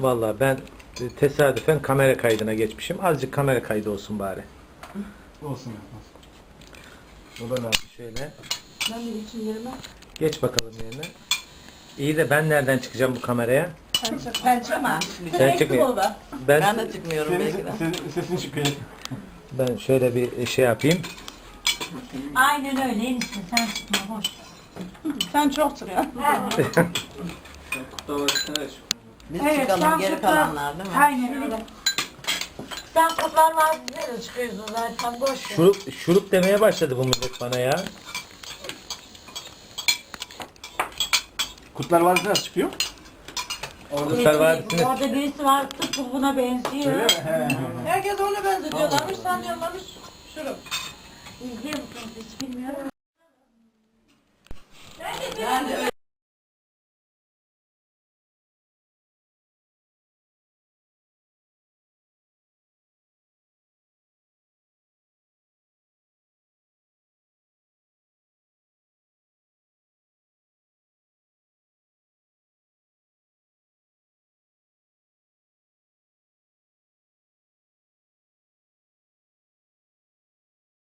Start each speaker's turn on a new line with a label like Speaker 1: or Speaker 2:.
Speaker 1: Vallahi ben tesadüfen kamera kaydına geçmişim. Azıcık kamera kaydı olsun bari.
Speaker 2: Olsun.
Speaker 1: O da ne yapayım şöyle.
Speaker 3: Ben de için yerime.
Speaker 1: Geç bakalım yerine. İyi de ben nereden çıkacağım bu kameraya?
Speaker 3: Ben çıkma.
Speaker 1: Sen çıkmıyor.
Speaker 4: Ben
Speaker 1: Ben
Speaker 4: de çıkmıyorum belki de.
Speaker 2: Senin sesin çıkıyor.
Speaker 1: ben şöyle bir şey yapayım.
Speaker 5: Aynen öyle enişte sen çıkma boş.
Speaker 3: Sen çok çıkıyorsun.
Speaker 4: Biz
Speaker 5: Evet,
Speaker 4: çıkalım
Speaker 5: sen
Speaker 4: geri
Speaker 5: kutlar-
Speaker 4: kalanlar değil mi?
Speaker 5: Aynen öyle. Sen Kurtlar Vadisi'ne de çıkıyorsun zaten boş ver.
Speaker 1: Şurup demeye başladı bu millet bana ya.
Speaker 2: Kurtlar Vadisi nasıl çıkıyor?
Speaker 1: Kurtlar Vadisi'ne
Speaker 5: Orada birisi var tıpkı buna benziyor.
Speaker 2: Öyle mi? He.
Speaker 3: Herkes ona benzetiyorlarmış, sanıyorlarmış. Şurup.
Speaker 5: İzliyor musunuz hiç bilmiyorum.